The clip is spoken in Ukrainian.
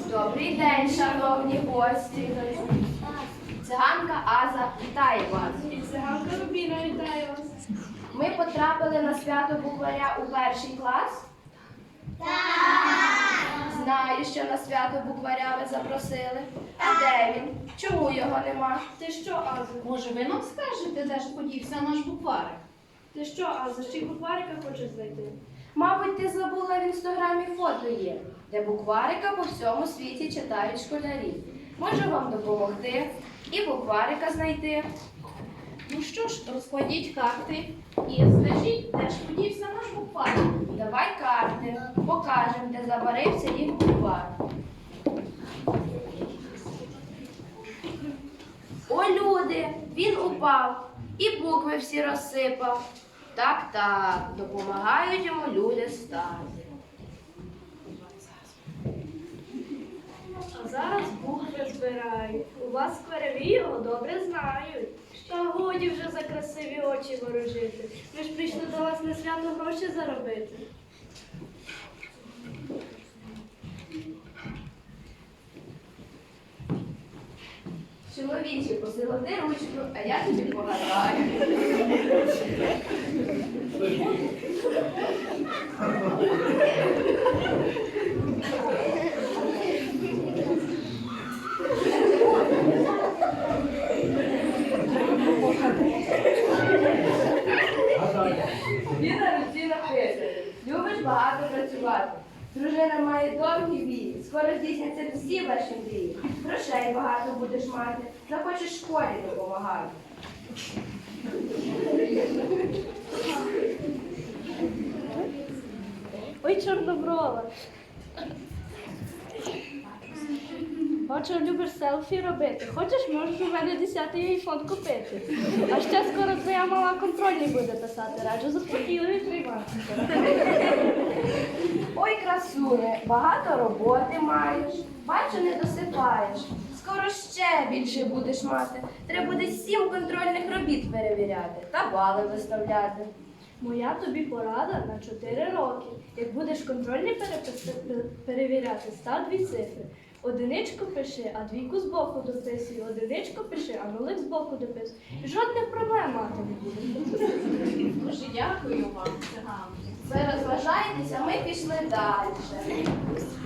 Добрий день, шановні гості. Циганка Аза вітає вас. І циганка Рубіна вітає вас. Ми потрапили на свято букваря у перший клас. Так. Знаю, що на свято букваря ви запросили. А де він? Чому його нема? Ти що, Аза? Може, ви нам скажете, де ж подівся наш букварик? Ти що, Аза? Ще й букварика хочеш знайти? Мабуть, ти забула в інстаграмі фото є, де букварика по всьому світі читають школярі. Можу вам допомогти і букварика знайти. Ну що ж, розкладіть карти і скажіть, де ж подівся наш букварик? Давай карти, покажемо, де забарився їх буквар. О, люди, він упав і букви всі розсипав. Так, допомагають йому люди старі. А зараз букви збирають. У вас скверові його добре знають. Та годі вже за красиві очі ворожити. Ми ж прийшли до вас на свято гроші заробити. Чоловіче, посилоти ручку, а я тобі погадаю. Ліна Русіна пише, любиш багато працювати. Дружина має довгі вії, скоро здійсняться всі ваші мрії. Грошей багато будеш мати, захочеш школі допомагати. Ой, чорноброва. Бачу, любиш селфі робити. Хочеш, можеш у мене 10-й айфон купити. А ще скоро твоя мала контрольний буде писати. Раджу заспокійливі приймати. Ой, красуне, багато роботи маєш, бачу, не досипаєш. Скоро ще більше будеш мати. Треба буде 7 контрольних робіт перевіряти та бали виставляти. Моя тобі порада на 4 роки. Як будеш контрольні перевіряти, став 2 цифри. Одиничку пиши, а двійку збоку дописуй. Одиничку пиши, а нулик збоку дописуй. Жодних проблем мати не буде. Дуже дякую вам, циганки. Ви розважаєтеся, ми пішли далі.